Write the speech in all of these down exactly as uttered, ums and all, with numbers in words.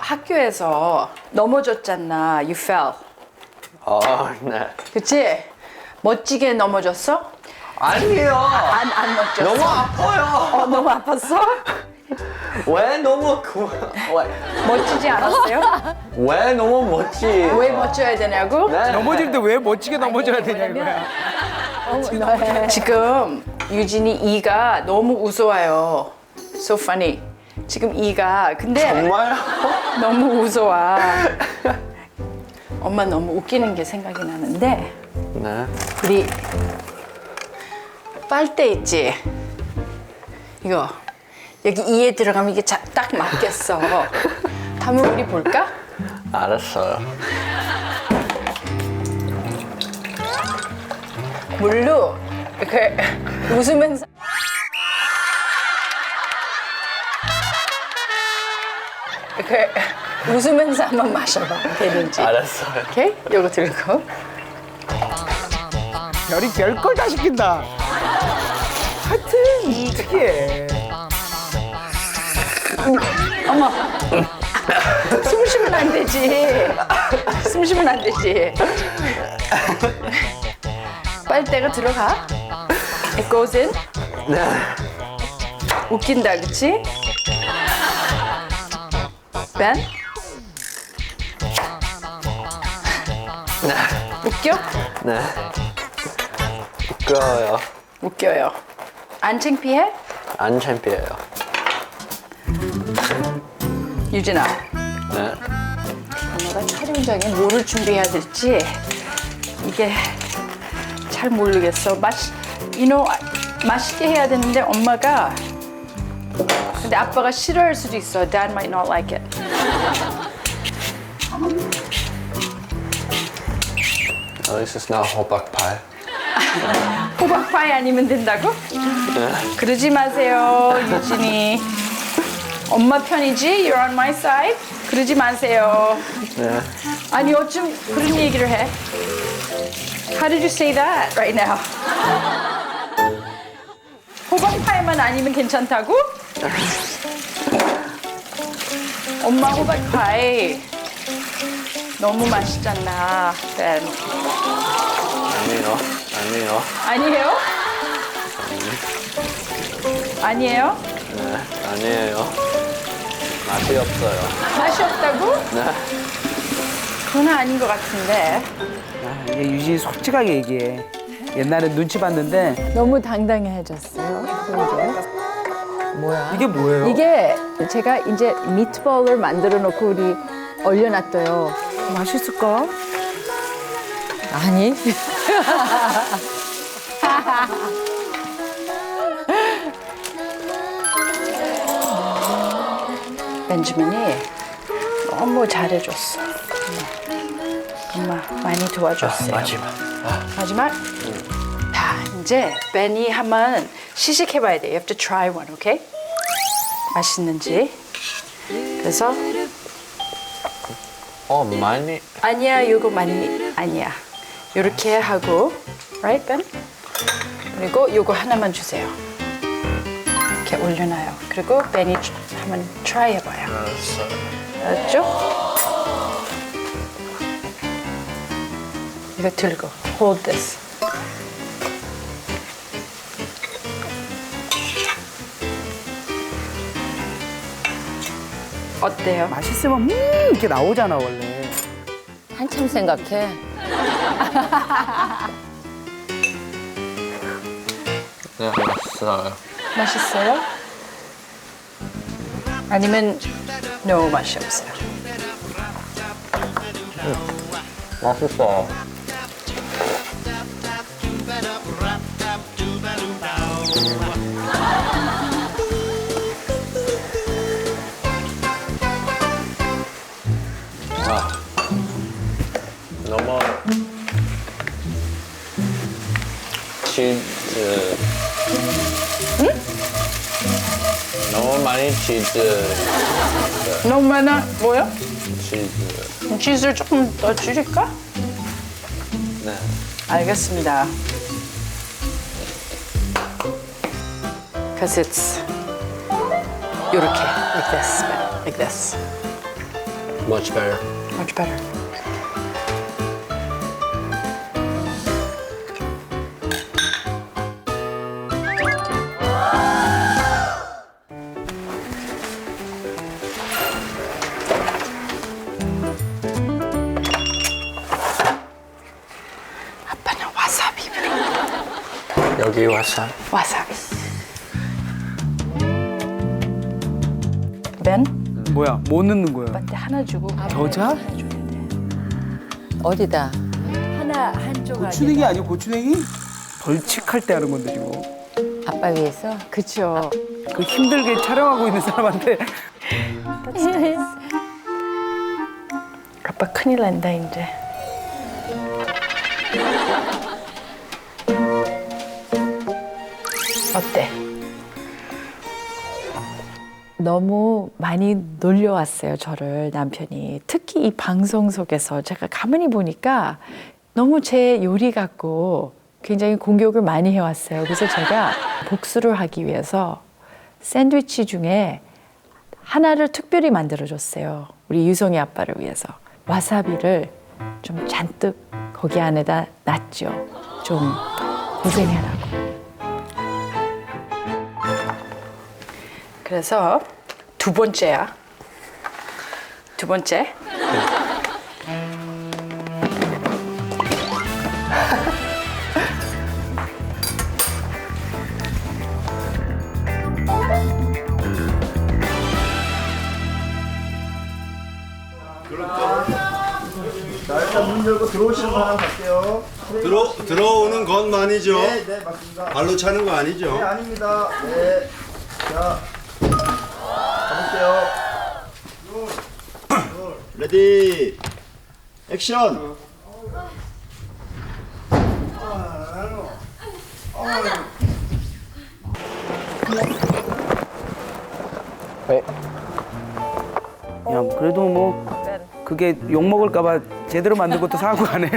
학교에서 넘어졌잖아. You fell. 어, 네. 그치? 멋지게 넘어졌어? 아니에요. 안, 안 멋졌어? 너무 아파요. 어, 너무 아팠어? 왜 너무 그, 왜, 멋지지 않았어요? 왜 너무 멋지? 왜 멋져야 되냐고? 네. 넘어질 때 왜 멋지게 넘어져야 되냐 이거야. 어, 지금 유진이 이가 너무 우스워요. So funny. 지금 이가 근데 정말? 너무 우스워. 엄마 너무 웃기는 게 생각이 나는데 네. 우리 빨대 있지? 이거 여기 이에 들어가면 이게 자, 딱 맞겠어. 한번 우리 볼까? 알았어요. 물로 이렇게 웃으면서 이렇게 웃으면서 한번 마셔봐. 되는지. 알았어요. 오케이? 요거 들고. 별이 별걸 다 시킨다. 하여튼 특이해. 어머. 숨 쉬면 안 되지. 숨 쉬면 안 되지. 빨대가 들어가. It goes in. 네. 웃긴다, 그치? Ben? 네. 웃겨? 네. 웃겨요. 웃겨요. 안 창피해? 안 창피해요. 유진아, 네. 엄마가 촬영장에 뭐를 준비해야 될지 이게 잘 모르겠어. 맛, you know, 맛있게 해야 되는데 엄마가 근데 아빠가 싫어할 수도 있어. Dad might not like it. At least it's not 호박파이. 호박파이 아니면 된다고? 그러지 마세요, 유진이. 엄마 편이지? You're on my side? 그러지 마세요. 네. 아니 어쩜 그런 얘기를 해? How did you say that right now? 호박파이만 아니면 괜찮다고? 엄마 호박파이 너무 맛있잖아. Ben. 아니요. 아니요. 아니에요? 아니에요? 네. 아니에요. 맛이 없어요. 맛이 없다고? 네. 그건 아닌 것 같은데. 아, 이게 유진이 솔직하게 얘기해. 옛날에 눈치 봤는데 너무 당당해졌어요. 이게 뭐예요? 이게 제가 이제 미트볼을 만들어 놓고 우리 얼려놨어요. 맛있을까? 아니. 벤지민이 너무 잘해줬어. 엄마 많이 도와줬어요. 마지막. 아, 마지막. 자, 이제 벤이 한번 시식해봐야 돼. You have to try one, okay? 맛있는지. 그래서 어, 많이. 아니야, 이거 많이 아니야. 이렇게 하고, right, Ben? 그리고 이거 하나만 주세요. 이렇게 올려놔요. 그리고 벤이 한번 try 해봐요. 알았어요. 알았죠? 이거 들고, hold this. 어때요? 맛있으면 음 이렇게 나오잖아 원래. 한참 생각해. 네, 맛있어요. 맛있어요? 아니면 no 맛이 없어요? 맛있어요. 아, 너무 치즈. 응? 너무 많이 치즈. 너무 많아. 뭐요? 치즈. 치즈를 조금 더 줄일까? 네. 알겠습니다. Because it's 요렇게 like this, like this. Much better. Much better. 아빠는 와사비. 여기 와서 와사비. 벤? 뭐야? 뭐 넣는 거야? 아빠한테 하나 주고 겨자? 하나 줘야 돼. 어디다? 하나 한쪽 고추냉이 아니고 고추냉이? 벌칙할 때 하는 건데 지금. 아빠 위해서? 그쵸. 그 힘들게 촬영하고 있는 사람한테 아빠 큰일 난다 이제. 어때? 너무 많이 놀려왔어요, 저를 남편이. 특히 이 방송 속에서 제가 가만히 보니까 너무 제 요리 같고 굉장히 공격을 많이 해왔어요. 그래서 제가 복수를 하기 위해서 샌드위치 중에 하나를 특별히 만들어줬어요. 우리 유성이 아빠를 위해서. 와사비를 좀 잔뜩 거기 안에다 놨죠. 좀 고생해라고. 그래서 두 번째야. 두 번째. 자, 일단 문 열고 들어오시는 거 하나 갈게요. 들어 들어오는 것만이죠. 네, 네, 맞습니다. 발로 차는 거 아니죠. 네, 아닙니다. 네. 자, 가볼게요. 레디, 액션! 왜? 야 그래도 뭐 그게 욕 먹을까봐 제대로 만든 것도 사고 가네.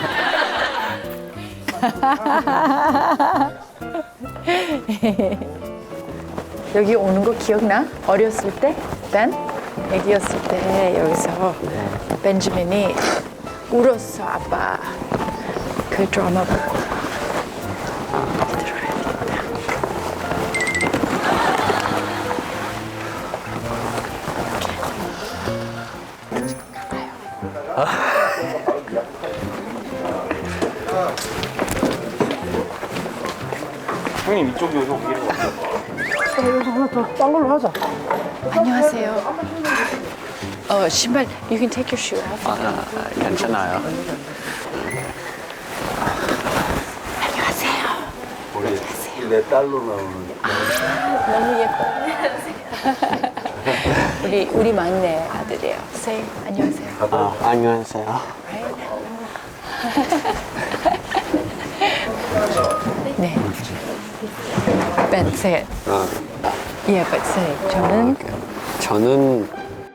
여기 오는 거 기억나? 어렸을 때? 벤? 애기였을 때 여기서 벤지민이 울었어, 아빠. 그 드라마 보고. 들어야겠다. 형님 이쪽으로 오기로 안녕하세요. 어, 신발, you can take your shoe off. 아, 괜찮아요. 안녕하세요. 내 딸로 나오는. 너무 예뻐요. 우리, 우리 막내 아들이에요. Say, 안녕하세요. 아, 안녕하세요. 네. Ben, say it. 아, Yeah, but say it. 저는 저는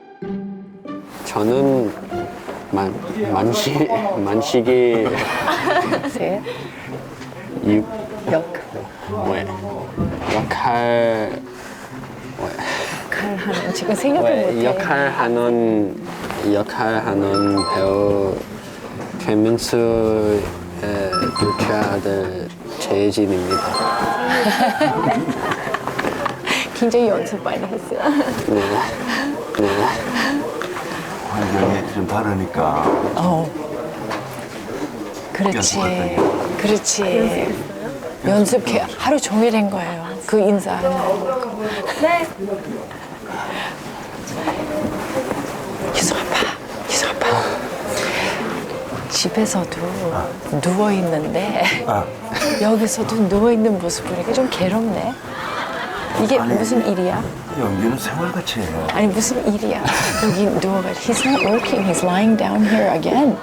저는 만 만시 만식이 say it. 유 역. 왜 역할 역할 하는 지금 생각도 왜 못해. 역할하는 역할하는 배우 최민수의 둘째 아들 재진입니다. 굉장히 연습 많이 했어요. 네. 네. 환경이 좀 다르니까. 어. 그렇지. 그렇지. 연습 개- 하루 종일 한 거예요. 그 인사하는 거. 네. 유성 아빠, 유성 아빠. 집에서도 누워 있는데 여기서도 누워 있는 모습 보니까 좀 괴롭네. 이게 무슨 일이야? 연기는 생활같이 해요. 아니 무슨 일이야? 여기 누워가. He's not working. He's lying down here again.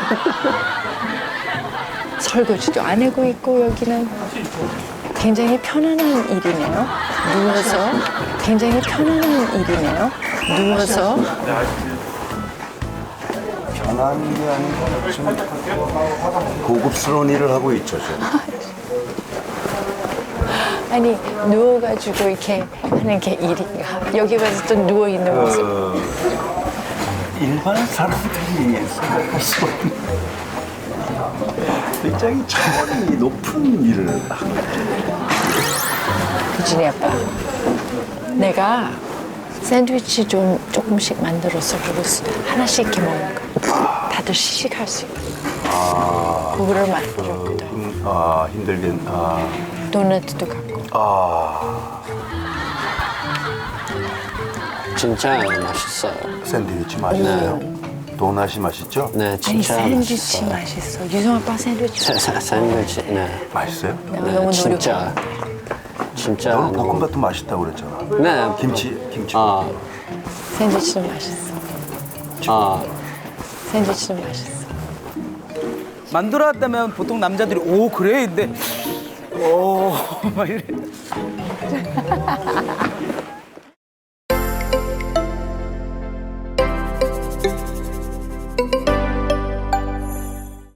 설거지도 안 하고 있고 여기는 굉장히 편안한 일이네요. 누워서 굉장히 편안한 일이네요. 누워서 편한 게 아니고 좀 고급스러운 일을 하고 있죠, 지금. 아니 누워가지고 이렇게 하는 게 일인가? 여기 가서 또 누워 있는 모습. 일반 사람들이 생각할 수 없는 굉장히 차원이 높은 일을 하고 유진이 아빠, 내가 샌드위치 좀 조금씩 만들어서 그거 하나씩 이렇게 먹는 거. 다들 시식할 수 있고. 그거를 만들었거든. 힘, 아 힘들긴 아, 도넛도 갖고. 아 진짜 맛있어요. 샌드위치 맛있어요. 도넛이 맛있죠? 네, 아니 진짜 샌드위치 맛있어요. 맛있어. 유성 아빠 샌드위치. 사- 사- 샌드위치, 네. 맛있어요? 네, 너무 진짜. 진짜. 너는 너무- 볶음밥도 맛있다고 그랬잖아. 네. 김치 김치. 아, 샌드위치도 맛있어. 아, 샌드위치도 맛있어. 만들어 왔다면 보통 남자들이 오 그래 근데 오막 이래.